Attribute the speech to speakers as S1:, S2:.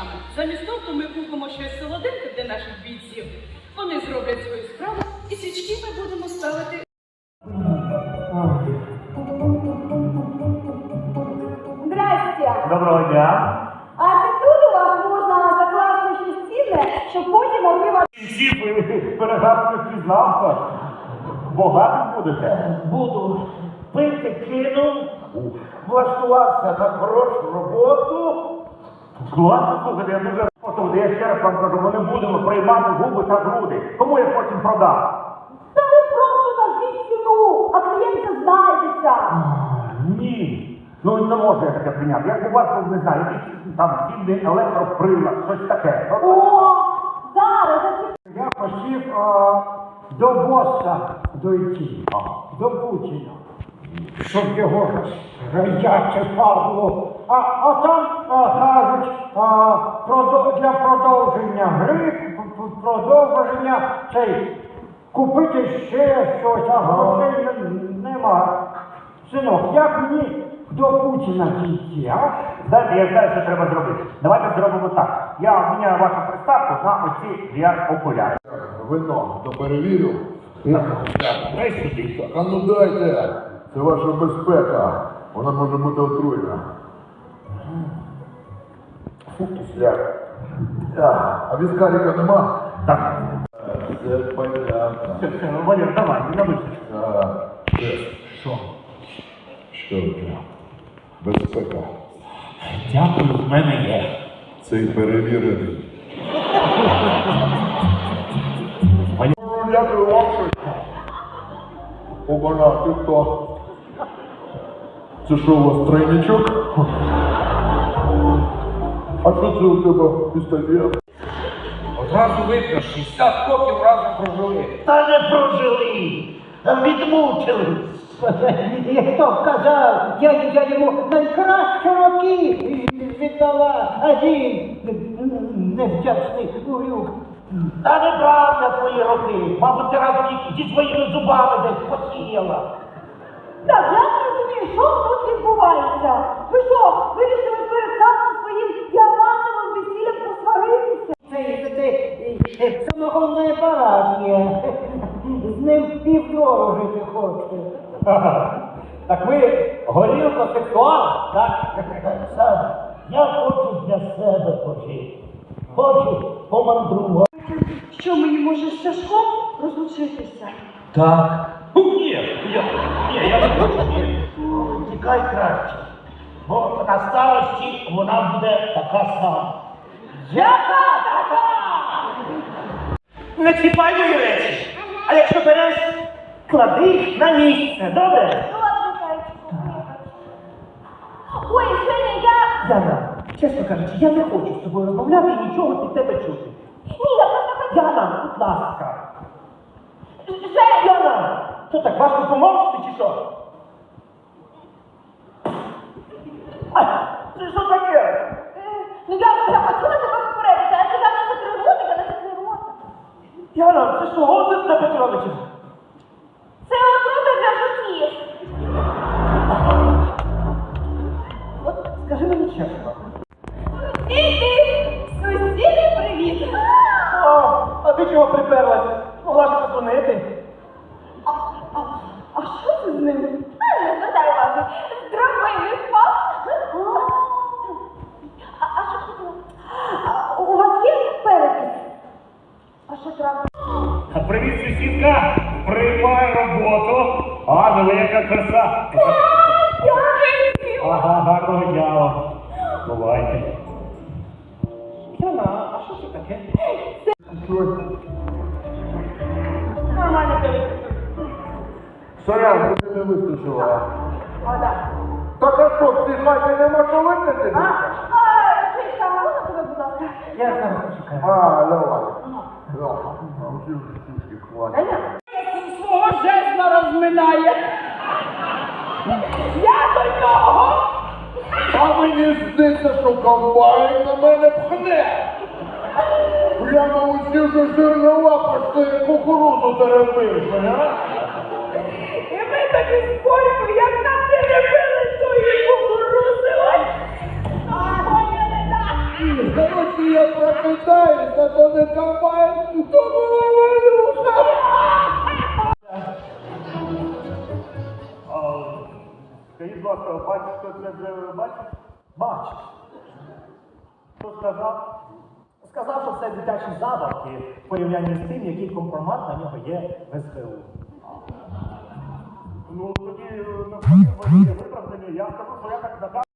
S1: Замість того ми купимо щось солоденьке для наших бійців. Вони зроблять свою справу і свічки ми будемо ставити.
S2: Здрасте!
S3: Доброго дня.
S2: А це тут у вас можна закласти щось цінне, щоб потім отримати...
S3: Всі перегадки впізнав. Богатим будете?
S4: Буду. Пити кинув, влаштувався на хорошу роботу.
S3: Класно, слухайте, я дуже потім, я ще раз вам кажу, ми не будемо приймати губи та груди. Кому я потім продам?
S2: Та ви просто назвіть ціну, а клієнт знайдеться.
S3: Ні. Ну не можу я таке прийняти. Як у вас, не знаю, якийсь там цінний електроприлад, щось таке.
S2: О, зараз,
S4: Я хотів до боса дойти, до Путіна, щоб його радяче падло. А там кажуть, для продовження гри, продовження купити ще щось, а грошей нема. Синок, як мені до Путіна дійти, а?
S3: Знаєте, я знаю, що треба зробити. Давайте зробимо так. Я міняю вашу приставку на ось ці VR-окуляри.
S5: Вино, то перевірю.
S3: Дай сюди.
S5: Так, а ну дайте, це ваша безпека. Вона може бути отруйна. Фу, кисляк. А віскаріка нема?
S3: Так.
S5: Це понятно.
S3: Все, Валер, давай, не набився.
S5: Що? Що таке? Безпека.
S3: Дякую, в мене є.
S5: Цей перевірений. Дякую вам, що... Обана, ти хто? Це що, у вас тройничок? А що це у тебе пістолет?
S4: Одразу видно, 60 років разом прожили.
S6: Та не прожили, а відмучили. І хто б казав, я йому найкращі роки віддала, а він невдячний урюк. Та неправда твої роки, мабуть, ти разом зі своїми зубами десь посіяла.
S2: Так, я не розумію, що тут відбувається. Ви що, вирішили перед самим своїм діамантовим весіллям посваритися?
S6: Це самогонний апарат є. З ним півдору жити хочете.
S3: Так ви горілко-сексуал, так?
S6: Сам, я хочу для себе пожити. Хочу помандрувати.
S1: Що мені може з Сашком розлучитися?
S4: Так. Ні, я не хочу.
S6: Тікай краще, бо на старості вона буде така сама.
S1: Яка така?
S6: Не чіпай мої речі, а якщо береш, клади їх на місце, добре?
S2: Ну ладно, зайчику. Ой, Женя, я...
S6: Яна, чесно кажучи, я не хочу з тобою розмовляти і нічого від тебе чути.
S2: Ні, я просто хотіла...
S6: Яна, будь ласка.
S2: Женя!
S6: Яна, що так, важко помовчити чи що? А, це що таке?
S2: Ну я хотіла тебе попередити, а ти там не закрив ротика, не закрив рота.
S6: Яна, це що, оцет на Петровича?
S2: Це отрута для жуків.
S6: От скажи мені чесно.
S2: І ти, сусіди, привіт.
S6: А ти чого приперлась? Могла ж подзвонити.
S2: А що це з ним? Не звертай уваги. Здоровий спав. А що хотіла? У вас є перепис? А що трапилось?
S3: Привіт, сусідка! Приймай роботу! А, ну яка краса! Ага, гарного дня вам! Бувайте!
S6: Яна, а що це таке?
S2: Нормально перепис.
S5: Сорян, тобі не вистачило.
S2: А, так.
S5: Так а що, в цій хаті нема що випити?
S2: Жичка, а можна тебе, будь ласка?
S6: Я зараз почекаю.
S5: Давай.
S1: Свого жезла розминає. Я до нього.
S5: А мені здається, що комбайн на мене пхне. Прямо усі вже жирнова пошли кукурузу теребиш, а?
S1: І ми тоді споримо, як нам теребили тої кукурузи. Ой, поняли, так?
S5: Короче, я прокидаюсь, а то не комбайн, то була валюха.
S3: Скажіть, будь ласка, бачиш, хто це вже бачив?
S7: Бач.
S3: Хто сказав?
S7: Сказав, що це дитячі забавки в порівнянні з тим, який компромат на нього є в СБУ.
S3: Ну, тоді навпаки, є виправдання. Я скажу, що я так